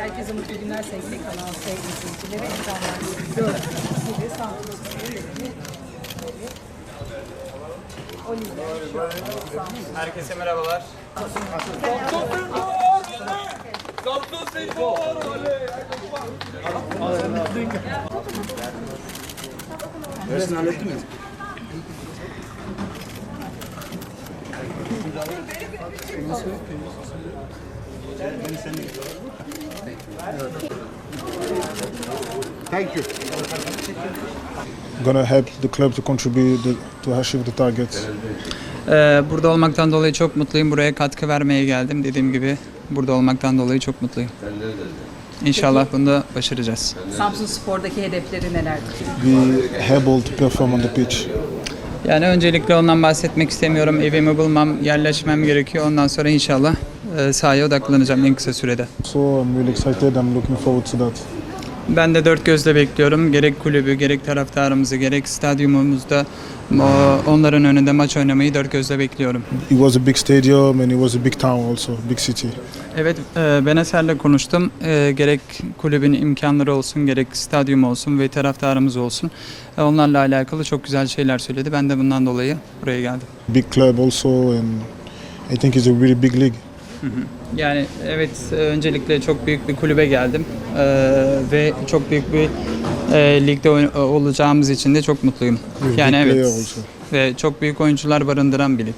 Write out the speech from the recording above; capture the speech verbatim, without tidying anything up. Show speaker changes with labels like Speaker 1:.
Speaker 1: Herkese mutlu günler sevgili kanal sevgili izleyicileri. Ekranlar gördüğünüz gibi Samsun Spor'un yönetimi Oliver şu an Samsun.
Speaker 2: Herkese merhabalar.
Speaker 3: Dersini hallettin mi? Thank you.
Speaker 4: Gonna help the club to contribute the, to achieve the targets.
Speaker 2: Ee, burada olmaktan dolayı çok mutluyum. Buraya katkı vermeye geldim. Dediğim gibi burada olmaktan dolayı çok mutluyum. İnşallah bunu da başaracağız.
Speaker 1: Samsun Spor'daki hedefleri nelerdir?
Speaker 4: Be able to perform on the pitch.
Speaker 2: Yani öncelikle ondan bahsetmek istemiyorum. Evimi bulmam, yerleşmem gerekiyor. Ondan sonra inşallah e, sahaya odaklanacağım en kısa sürede.
Speaker 4: So I'm really excited. I'm looking forward to that.
Speaker 2: Ben de dört gözle bekliyorum. Gerek kulübü, gerek taraftarımızı, gerek stadyumumuzda o- onların önünde maç oynamayı dört gözle bekliyorum.
Speaker 4: It was a big stadium and it was a big town also, big city.
Speaker 2: Evet, e, ben Eser'le konuştum. E, gerek kulübün imkanları olsun, gerek stadyum olsun ve taraftarımız olsun. E, onlarla alakalı çok güzel şeyler söyledi. Ben de bundan dolayı buraya geldim.
Speaker 4: Big club also, and I think it's a really big league.
Speaker 2: Yani evet, e, öncelikle çok büyük bir kulübe geldim E, ve çok büyük bir e, ligde oy- olacağımız için de çok mutluyum.
Speaker 4: With
Speaker 2: Yani
Speaker 4: big player
Speaker 2: evet,
Speaker 4: also.
Speaker 2: ve çok büyük oyuncular barındıran bir lig.